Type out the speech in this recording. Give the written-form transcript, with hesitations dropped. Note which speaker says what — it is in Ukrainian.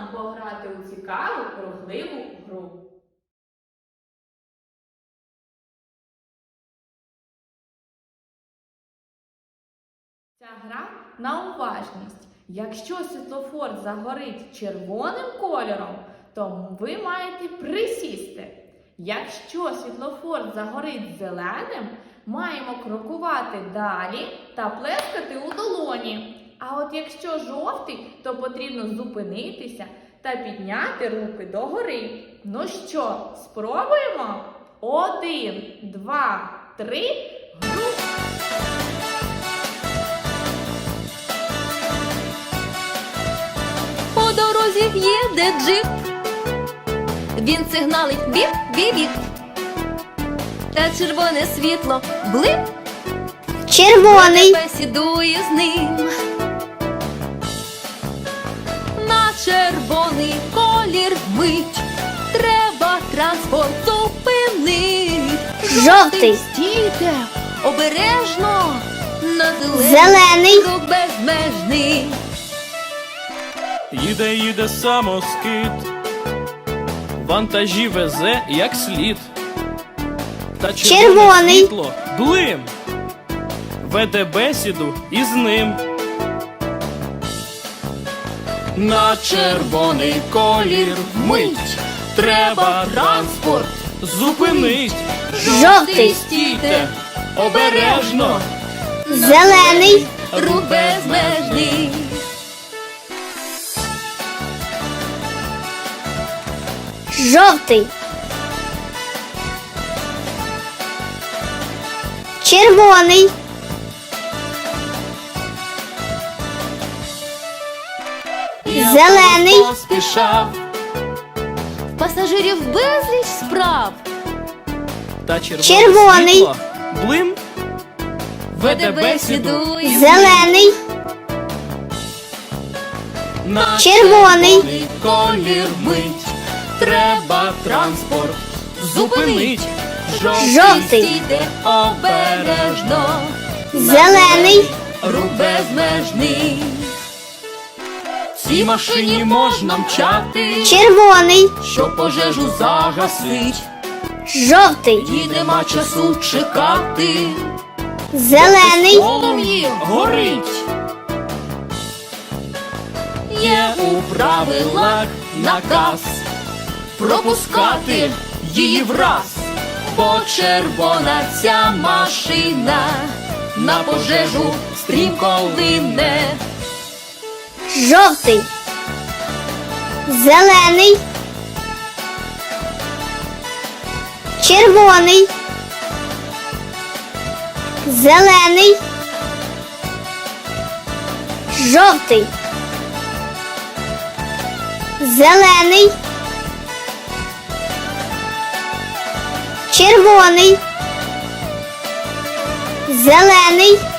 Speaker 1: нам пограти у цікаву, рухливу гру. Ця гра на уважність. Якщо світлофор загорить червоним кольором, то ви маєте присісти. Якщо світлофор загорить зеленим, маємо крокувати далі та плескати у долоні. А от якщо жовтий, то потрібно зупинитися та підняти руки догори. Ну що, спробуємо? 1, 2, 3, гру!
Speaker 2: По дорозі їде джип, він сигналить біп-біп-біп. Та червоне світло блип,
Speaker 3: Червоний,
Speaker 2: бесідує з ним. На червоний колір мить, треба транспорт зупинить.
Speaker 3: Жовтий.
Speaker 2: Стійте, обережно, на
Speaker 3: Зелений.
Speaker 2: рух безмежний.
Speaker 4: Їде самоскид, вантажі везе як слід. Та
Speaker 3: Червоний.
Speaker 4: світло блим, веде бесіду із ним. На червоний колір мить, треба транспорт зупинить.
Speaker 3: Жовтий.
Speaker 4: Стійте, обережно,
Speaker 3: зелений,
Speaker 2: Рух безмежний.
Speaker 3: жовтий, червоний, зелений,
Speaker 4: поспішав,
Speaker 2: Пасажирів безліч справ,
Speaker 4: та червоне
Speaker 3: Червоний.
Speaker 4: світло блим, веде бесіду
Speaker 2: із
Speaker 3: зелений,
Speaker 4: на
Speaker 3: Червоний.
Speaker 4: колір мить, треба транспорт зупинить.
Speaker 3: Жовтий.
Speaker 2: Стійте обережно,
Speaker 3: зелений,
Speaker 2: рух безмежний.
Speaker 4: Цій машині можна мчати,
Speaker 3: червоний,
Speaker 4: щоб пожежу загасить.
Speaker 3: жовтий,
Speaker 4: І нема часу чекати,
Speaker 3: зелений,
Speaker 4: полум'ї горить. Є у правилах наказ пропускати її враз, бо червона ця машина на пожежу стрімко лине.
Speaker 3: жовтий, зелений, червоний, зелений, жовтий, зелений, червоний, зелений,